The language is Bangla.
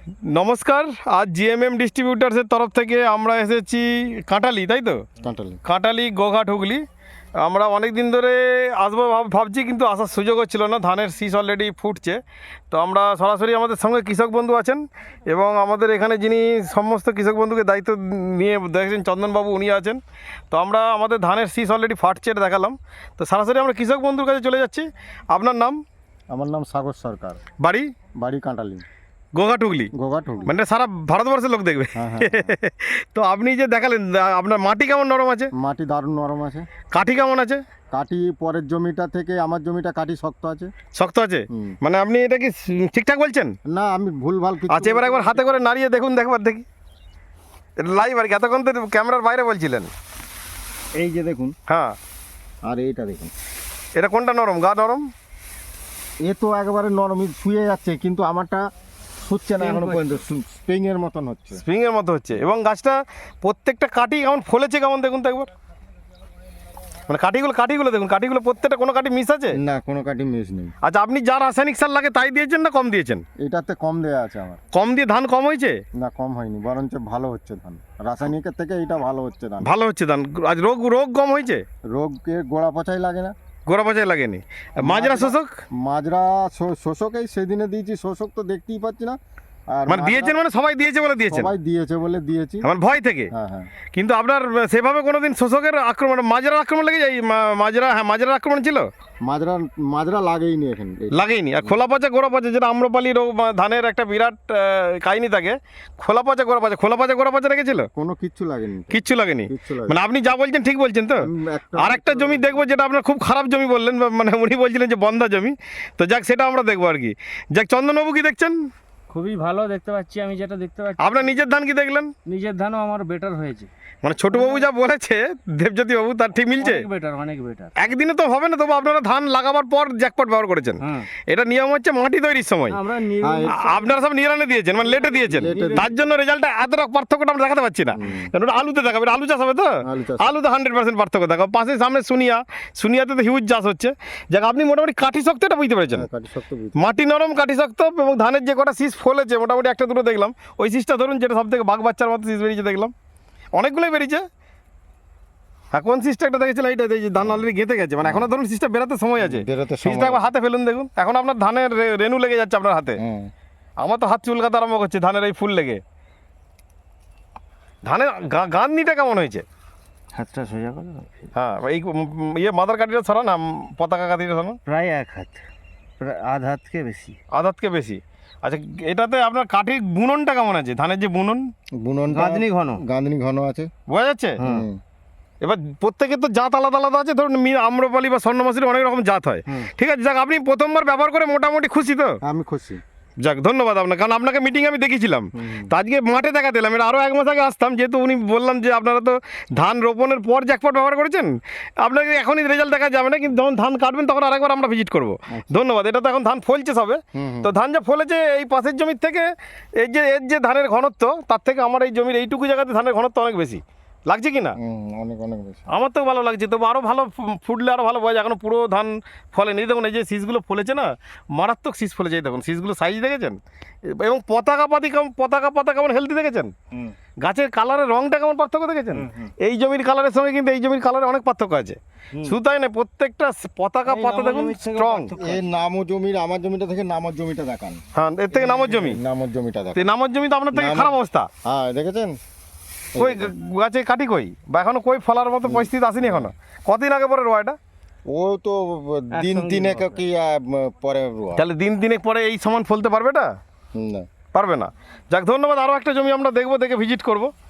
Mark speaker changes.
Speaker 1: নমস্কার। আজ জিএমএম ডিস্ট্রিবিউটার্সের তরফ থেকে আমরা এসেছি কাঁটালি, তাই তো? কাঁটালি গোঘাট হুগলি। আমরা অনেক দিন ধরে আসবো ভাবছি, কিন্তু আসার সুযোগ হচ্ছিল না। ধানের শীষ অলরেডি ফুটছে, তো আমরা সরাসরি আমাদের সঙ্গে কৃষক বন্ধু আছেন এবং আমাদের এখানে যিনি সমস্ত কৃষক বন্ধুকে দায়িত্ব নিয়ে দেখছেন চন্দনবাবু, উনি আছেন। তো আমরা আমাদের ধানের শীষ অলরেডি ফাটছে এটা দেখালাম। তো সরাসরি আমরা কৃষক বন্ধুর কাছে চলে যাচ্ছি। আপনার নাম?
Speaker 2: আমার নাম সাগর সরকার,
Speaker 1: বাড়ি?
Speaker 2: বাড়ি কাঁটালি,
Speaker 1: গোঘাট হুগলি।
Speaker 2: গোঘাট হুগলি।
Speaker 1: মানে সারা ভারতবর্ষের লোক দেখবে।
Speaker 2: হ্যাঁ, হ্যাঁ।
Speaker 1: তো আপনি যে দেখালেন, আপনার মাটি কেমন নরম আছে?
Speaker 2: মাটি দারুণ নরম আছে।
Speaker 1: কাঠি কেমন আছে?
Speaker 2: কাটি পরের জমিটা থেকে আমার জমিটা কাটি শক্ত আছে।
Speaker 1: শক্ত আছে?
Speaker 2: হুম।
Speaker 1: মানে আপনি এটা কি ঠিকঠাক বলছেন?
Speaker 2: না, আমি ভুলভাল কিছু
Speaker 1: আচ্ছা, এবার একবার হাতে করে নাড়িয়ে দেখুন, দেখবার দেখি। লাইভ আর কি, এতক্ষণ তো ক্যামেরার বাইরে বলছিলেন।
Speaker 2: এই যে দেখুন,
Speaker 1: হ্যাঁ,
Speaker 2: আর এইটা দেখুন,
Speaker 1: এটা কোনটা নরম? গা নরম?
Speaker 2: এ তো একেবারে নরমই শুয়ে যাচ্ছে, কিন্তু আমারটা শুচ্ছে না এখনো পর্যন্ত, স্প্রিং এর মতন হচ্ছে।
Speaker 1: স্প্রিংয়ের মতো হচ্ছে। এবং গাছটা প্রত্যেকটা কাঠি কেমন ফলেছে কেমন দেখুন তো একবার। মানে কাঠিগুলো দেখুন, কাঠিগুলো প্রত্যেকটা, কোনো কাঠি মিস আছে?
Speaker 2: না, কোনো কাটি মিস নেই।
Speaker 1: আচ্ছা, আপনি যা রাসায়নিক সার লাগে তাই দিয়েছেন না কম দিয়েছেন?
Speaker 2: এটাতে কম দেয়া আছে আমার।
Speaker 1: কম দিয়ে ধান কম হয়েছে?
Speaker 2: না, কম হয়নি, বরঞ্চ ভালো হচ্ছে ধান। রাসায়নিকের থেকে এটা ভালো হচ্ছে ধান।
Speaker 1: ভালো হচ্ছে ধান। আজ রোগ কম হয়েছে?
Speaker 2: রোগকে গোড়া পচাই লাগে না।
Speaker 1: গোড়া পচায় লাগেনি? মাজরা শোষক?
Speaker 2: মাজরা শোষকেই সেদিনে দিয়েছি, শোষক তো দেখতেই পাচ্ছি না। আর
Speaker 1: মানে দিয়েছেন, মানে সবাই দিয়েছে বলে দিয়েছেন?
Speaker 2: সবাই দিয়েছে বলে দিয়েছি।
Speaker 1: আমার ভয় থেকে।
Speaker 2: হ্যাঁ, হ্যাঁ।
Speaker 1: কিন্তু আপনার সেভাবে কোনোদিন শোষকের আক্রমণ, মাজরার আক্রমণ লেগে যায়? মাজরার আক্রমণ ছিল?
Speaker 2: মাজরা লাগেইনি এখন।
Speaker 1: লাগেইনি। আর খোলা পচা গোড়া পচা, যেটা আম্রপালি রোগ বা ধানের একটা বিরাট কাহিনী থাকে, খোলা পচা গোড়া পচা রেখেছিল?
Speaker 2: কোনো কিচ্ছু লাগেনি,
Speaker 1: কিচ্ছু লাগেনি।
Speaker 2: কিচ্ছু লাগেনি।
Speaker 1: মানে আপনি যা বলছেন ঠিক বলছেন তো? আর একটা জমি দেখবো, যেটা আপনার খুব খারাপ জমি বললেন, মানে উনি বলছিলেন যে বন্ধা জমি। তো যাক, সেটা আমরা দেখবো আর কি। যাক, চন্দনবাবু কি দেখছেন?
Speaker 3: খুবই ভালো দেখতে পাচ্ছি। আমি যেটা দেখতে পাচ্ছি,
Speaker 1: আপনার নিজের ধান কি দেখলেন?
Speaker 3: নিজের ধানও আমার বেটার হয়েছে।
Speaker 1: মানে ছোটবাবু যা বলেছে, দেবজ্যোতি বাবু, তার ঠিক মিলছে?
Speaker 3: অনেক বেটার।
Speaker 1: একদিনে তো হবে না, তবু আপনারা ধান লাগাবার পর জ্যাকপট ব্যবহার করেছেন।
Speaker 3: হ্যাঁ,
Speaker 1: এটা নিয়ম হচ্ছে মাটি তৈরির সময়।
Speaker 3: আমরা
Speaker 1: আপনারা সব নিরানে দিয়েছেন, মানে লেটে দিয়েছেন। তার জন্য রেজাল্টটা এতটা পার্থক্যটা আমরা দেখাতে পাচ্ছি না। কারণ ওটা আলুতে দেখাবে, এটা আলু চাষ হবে তো?
Speaker 2: আলু চাষ।
Speaker 1: আলুতে 100% পার্থক্য দেখাবো। পাশে সামনে সুনিয়াতে তো হিউজ চাষ হচ্ছে। যাক, আপনি মোটামুটি কাঠি শক্ত এটা বুঝতে পেরেছেন।
Speaker 2: কাটি শক্ত বুঝি।
Speaker 1: মাটি নরম, কাঠি শক্ত, এবং ধানের যে কটা শীষ ফলেছে মোটামুটি একটা দুটো দেখলাম। ওই শীষটা ধরুন, যেটা সব থেকে বাঘ বাচ্চার মতো শীষ বেরিয়েছে দেখলাম। অনেকগুলোই বেরিয়েছে। হ্যাঁ, কোন শীষটা একটা দেখেছিলাম, এইটা যে ধান অলরেডি গেঁথে গেছে, মানে এখনো ধরুন শীষটা বেরোতে সময় আছে।
Speaker 2: বেরোতে সময়
Speaker 1: শীষটা একবার হাতে ফেলুন দেখুন, এখন আপনার ধানের রেণু লেগে যাচ্ছে আপনার হাতে।
Speaker 2: হ্যাঁ।
Speaker 1: আমার তো হাত চুলকাতে আরম্ভ করছে ধানের এই ফুল লেগে। ধানের গাঁথনিটা কেমন হয়েছে?
Speaker 3: হাতটা সোজা করে দাও।
Speaker 1: হ্যাঁ, এই মাদার কাঠিটা সরান না, পতাকা কাঠিটা সরান।
Speaker 3: প্রায় এক হাত, প্রায় আধ হাতকে বেশি।
Speaker 1: আধাতকে বেশি। আচ্ছা, এটাতে আপনার কাঠির বুননটা কেমন আছে? ধানের যে বুনন,
Speaker 3: গাঁথনি ঘন।
Speaker 2: গাঁথনি ঘন আছে।
Speaker 1: বোঝা যাচ্ছে?
Speaker 2: হুম।
Speaker 1: এবার প্রত্যেকের তো জাত আলাদা আলাদা আছে। ধরুন আম্রপালি বা স্বর্ণমাসুরি অনেক রকম জাত হয়। ঠিক আছে, যাক, আপনি প্রথমবার ব্যবহার করে মোটামুটি খুশি তো?
Speaker 2: আমি খুশি।
Speaker 1: যাক, ধন্যবাদ আপনাকে, কারণ আপনাকে মিটিং আমি দেখেছিলাম। তো আজকে মাঠে দেখাতে এলাম। এটা আরও 1 মাস আগে আসতাম, যেহেতু উনি বললাম যে আপনারা তো ধান রোপণের পর জ্যাকপট ব্যবহার করেছেন, আপনাকে এখনই রেজাল্ট দেখা যাবে না, কিন্তু যখন ধান কাটবেন তখন আরেকবার আমরা ভিজিট করবো। ধন্যবাদ। এটা তো এখন ধান ফলছে সবে। তো ধান যা ফলেছে, এই পাশের জমির থেকে এর যে ধানের ঘনত্ব, তার থেকে আমার এই জমির এইটুকু জায়গাতে ধানের ঘনত্ব অনেক বেশি লাগছে কি না?
Speaker 2: অনেক অনেক বেশি।
Speaker 1: আমার তো ভালো লাগছে, তবু আরও ভালো ফুটলে আরও ভালো বোঝা যায়। এখনো পুরো ধান ফলেনি। দেখুন, এই যে শীষগুলো ফলেছে না, মারাত্মক শীষ ফলেছে। দেখুন শীষগুলো সাইজ দেখেছেন? এবং পতাকা পাতা কেমন হেলদি দেখেছেন? গাছের কালারের রংটা কেমন পার্থক্য দেখেছেন? এই জমির কালারের সঙ্গে কিন্তু এই জমির কালারে অনেক পার্থক্য আছে। শুধু তাই না, প্রত্যেকটা পতাকা পাতা দেখুন স্ট্রং।
Speaker 2: এই নামো জমির, আমার জমিটা থেকে নামর জমিটা দেখান।
Speaker 1: হ্যাঁ, এর থেকে নামর জমি।
Speaker 2: নামর জমিটা দেখান।
Speaker 1: নামর জমি তো আপনার থেকে খারাপ অবস্থা।
Speaker 2: হ্যাঁ, দেখেছেন?
Speaker 1: কই গাছে কাটি কই, বা এখনো কই ফলার মতো পরিস্থিতি আসেনি এখনো? কদিন আগে পরে রোয়া এটা?
Speaker 2: ও তো দিন তিনেক কি পরে রোয়া।
Speaker 1: তাহলে দিন তিনেক পরে এই সমান ফলতে পারবে এটা?
Speaker 2: না।
Speaker 1: পারবে না। যাক, ধন্যবাদ। আরও একটা জমি আমরা দেখবো, দেখে ভিজিট করব।